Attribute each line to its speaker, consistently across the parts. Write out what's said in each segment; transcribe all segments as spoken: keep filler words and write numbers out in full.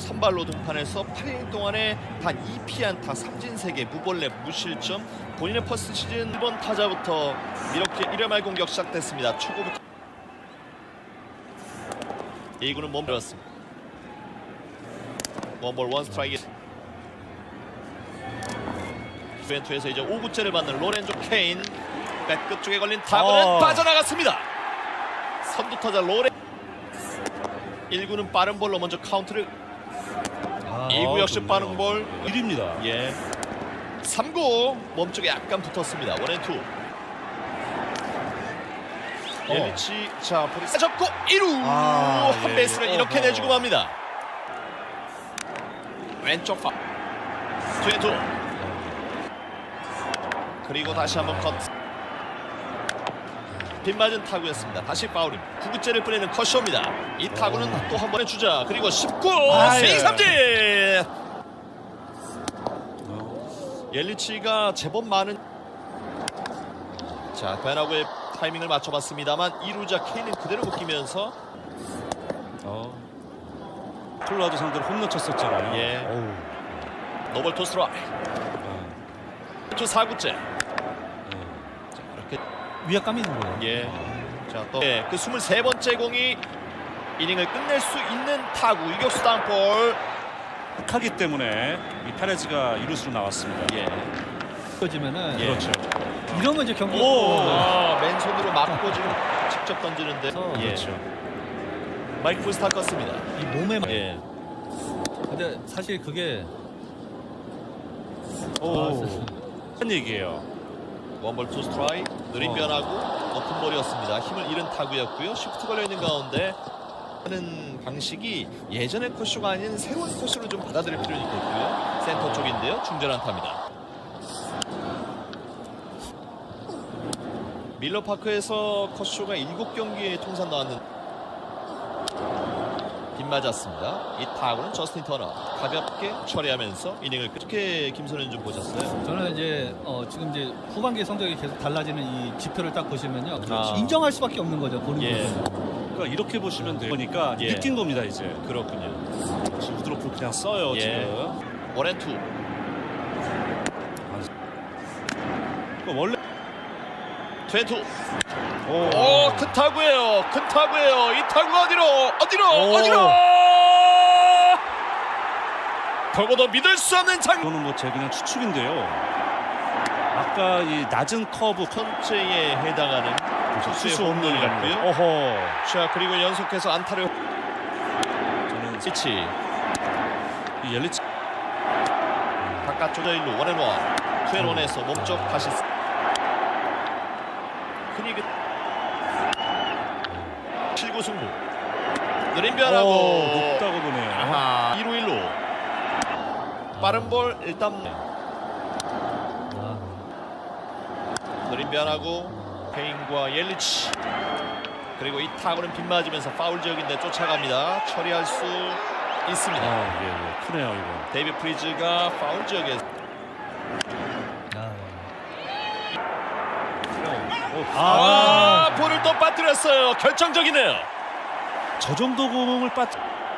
Speaker 1: 선발로 등판해서 팔 이닝 동안에 단 이 피안타, 삼진 세 개, 무볼넷, 무실점. 본인의 퍼스트 시즌 일 번 타자부터 이렇게 일 회 말 공격 시작됐습니다. 초구부터 이 구는 몸들었습니다. 원볼 원 스트라이크. 주벤투에서 이제 오 구째를 받는 로렌조 케인. 백끝 쪽에 걸린 타구는
Speaker 2: 어.
Speaker 1: 빠져나갔습니다. 선두 타자 로렌. 일 구는 빠른 볼로 먼저 카운트를.
Speaker 2: 아,
Speaker 1: 이 구 역시
Speaker 2: 좋네요.
Speaker 1: 빠른 볼.
Speaker 2: 일입니다.
Speaker 1: 예. 삼 구 몸쪽에 약간 붙었습니다. 원앤투. 옐리치. 자, 볼이 싸졌고 일 루.
Speaker 2: 아,
Speaker 1: 한
Speaker 2: 예,
Speaker 1: 베이스를
Speaker 2: 예.
Speaker 1: 이렇게
Speaker 2: 어허.
Speaker 1: 내주고 맙니다. 왼쪽 파. 투앤투. 그리고 다시 한번 컷. 빗맞은 타구였습니다. 다시 파울임. 구 구째를 뿌리는 컷쇼입니다. 이 타구는
Speaker 2: 오.
Speaker 1: 또 한 번의 주자. 그리고 십구.
Speaker 2: 아,
Speaker 1: 스윙
Speaker 2: 예.
Speaker 1: 삼진.
Speaker 2: 어.
Speaker 1: 옐리치가 제법 많은. 자, 베나구의 타이밍을 맞춰봤습니다만 이 루자 케인은 그대로 묶이면서.
Speaker 2: 어. 콜라도 상대로 홈런 쳤었잖아요.
Speaker 1: 예.
Speaker 2: 어우.
Speaker 1: 노벌 토스트라이.
Speaker 2: 어.
Speaker 1: 또 사 구째.
Speaker 2: 네.
Speaker 1: 자, 이렇게.
Speaker 3: 위압감이 있는 거예요.
Speaker 1: 예. 자, 또 예, 그 스물세 번째 공이 이닝을 끝낼 수 있는 타구. 유격수 땅볼.
Speaker 2: 하기 때문에 이 페레즈가 이루수로 나왔습니다.
Speaker 1: 예.
Speaker 3: 꺼지면은
Speaker 1: 예.
Speaker 2: 그렇죠.
Speaker 3: 이러면 이제 경기.
Speaker 1: 오, 아, 맨손으로 맞고 지금 직접 던지는데. 예.
Speaker 2: 그렇죠.
Speaker 1: 마이크 부스타 껐습니다.
Speaker 3: 이 몸에. 맞-
Speaker 1: 예.
Speaker 3: 근데 사실 그게
Speaker 2: 오.
Speaker 3: 아,
Speaker 2: 한 얘기예요.
Speaker 1: 원볼 투 스트라이. 느린
Speaker 2: 어.
Speaker 1: 변하고 높은 볼이었습니다. 힘을 잃은 타구였고요. 시프트 걸려있는 가운데 하는 방식이 예전의 코쇼가 아닌 새로운 코쇼를 좀 받아들일 필요는 있겠고요. 센터 쪽인데요. 중전한 타입니다. 밀러파크에서 컷쇼가 일곱 경기에 통산 나왔는. 빗맞았습니다. 이 타구는 저스틴 터너 가볍게 처리하면서 이닝을 그렇게 김선현 좀 보셨어요?
Speaker 3: 저는 이제 어, 지금 이제 후반기 성적이 계속 달라지는 이 지표를 딱 보시면요.
Speaker 1: 아.
Speaker 3: 인정할 수밖에 없는 거죠. 본인
Speaker 1: 예.
Speaker 3: 예.
Speaker 2: 그러니까 이렇게 보시면 돼요. 보니까
Speaker 1: 예.
Speaker 2: 느낀 겁니다 이제.
Speaker 1: 그렇군요.
Speaker 2: 지금 우드로프 그냥 써요
Speaker 1: 예.
Speaker 2: 지금.
Speaker 1: 원앤투.
Speaker 2: 그러니까 원래.
Speaker 1: 투앤투.
Speaker 2: 오.
Speaker 1: 오, 큰 타구예요. 큰 타구예요. 이 타구가 어디로? 어디로?
Speaker 2: 오.
Speaker 1: 어디로? 더고도 믿을 수 없는 장.
Speaker 2: 이거는 뭐 제 그냥 추측인데요. 아까 이 낮은 커브
Speaker 1: 선제에 해당하는 투수의
Speaker 2: 투수
Speaker 1: 홈런이
Speaker 2: 홈런이
Speaker 1: 같고요.
Speaker 2: 어허.
Speaker 1: 자, 그리고 연속해서 안타를.
Speaker 2: 저는
Speaker 1: 치치
Speaker 2: 이 옐리치
Speaker 1: 바깥쪽 일루 원앤원. 투앤원에서 몸쪽 다시. 흔히 그 칠 구 승부. 느린 변하고.
Speaker 2: 오, 높다고 보네요.
Speaker 1: 아하. 이 루 일 루. 빠른 볼 일단.
Speaker 3: 아,
Speaker 1: 느린 변하고 케인과 옐리치. 그리고 이 타구는 빗맞으면서 파울 지역인데 쫓아갑니다. 처리할 수 있습니다.
Speaker 2: 아, 예, 예. 크네요 이거.
Speaker 1: 데이비 프리즈가 파울 지역에.
Speaker 3: 아.
Speaker 2: 아,
Speaker 1: 아, 볼을 또 빠뜨렸어요. 결정적이네요.
Speaker 2: 저 정도 공을 빠.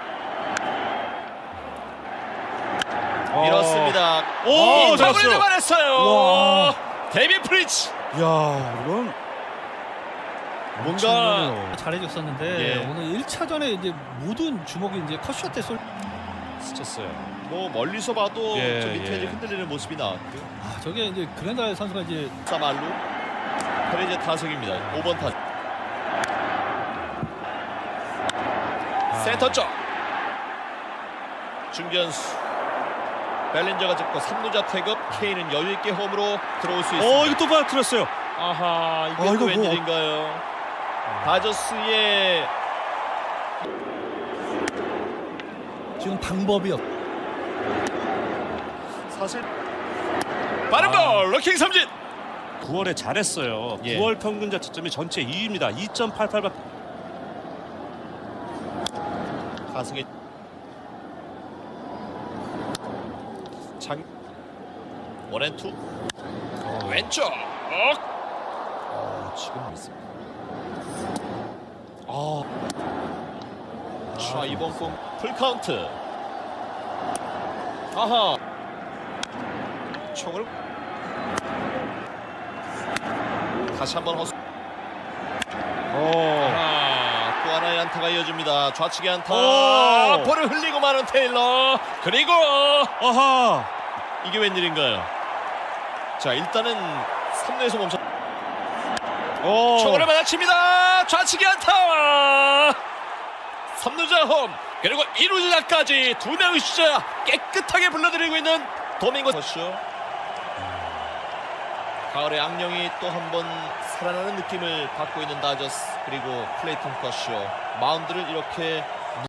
Speaker 1: 밀었습니다.
Speaker 2: 오,
Speaker 1: 이 타구를
Speaker 2: 잡았어요.
Speaker 1: 잡아냈어요.
Speaker 2: 와.
Speaker 1: 데이비 프리즈.
Speaker 2: 야, 이건
Speaker 1: 뭔가
Speaker 2: 엄청나네요.
Speaker 3: 잘해줬었는데
Speaker 1: 예.
Speaker 3: 오늘 일 차전에 이제 모든 주먹이 이제 컷샷에 쏠.
Speaker 2: 스쳤어요.
Speaker 1: 뭐 멀리서 봐도
Speaker 2: 예,
Speaker 1: 저 밑에
Speaker 2: 예.
Speaker 1: 이제 흔들리는 모습이 나왔고요.
Speaker 3: 아, 저게 이제 그랜달 선수가 이제
Speaker 1: 사말루 페레제 타석입니다. 오 번 타석.
Speaker 2: 아.
Speaker 1: 센터 쪽 중견수 벨린저가 잡고 삼 루자 태급. 케인은 여유있게 홈으로 들어올 수 있습니다.
Speaker 2: 어, 이거 또 빠뜨렸어요.
Speaker 1: 아하, 이게
Speaker 2: 아,
Speaker 1: 또
Speaker 2: 이거 뭐-
Speaker 1: 웬일인가요? 다저스의
Speaker 3: 지금 방법이 없.
Speaker 1: 사실 빠른
Speaker 2: 아.
Speaker 1: 볼 로킹 삼진.
Speaker 2: 구월에 잘했어요.
Speaker 1: 예.
Speaker 2: 구월 평균 자책점이 전체 이 위입니다. 이 점 팔팔.
Speaker 1: 가승의 장 원앤투.
Speaker 2: 어.
Speaker 1: 왼쪽. 어, 지금 있습니다. 아, 자, 이번 공 풀카운트. 하하 총을 다시 한번 허수.
Speaker 2: 오.
Speaker 1: 아, 또 하나의 안타가 이어집니다. 좌측의 안타.
Speaker 2: 오.
Speaker 1: 볼을 흘리고 마는 테일러. 그리고
Speaker 2: 아하.
Speaker 1: 이게 웬일인가요? 자, 일단은 삼 루에서 멈춰.
Speaker 2: 오.
Speaker 1: 초구를 받아칩니다. 좌측의 안타. 삼 루자 홈. 그리고 이 루자까지 두 명의 주자 깨끗하게 불러들이고 있는 도밍고 선수. 가을의 악령이 또 한 번 살아나는 느낌을 받고 있는 다저스. 그리고 클레이턴 커쇼 마운드를 이렇게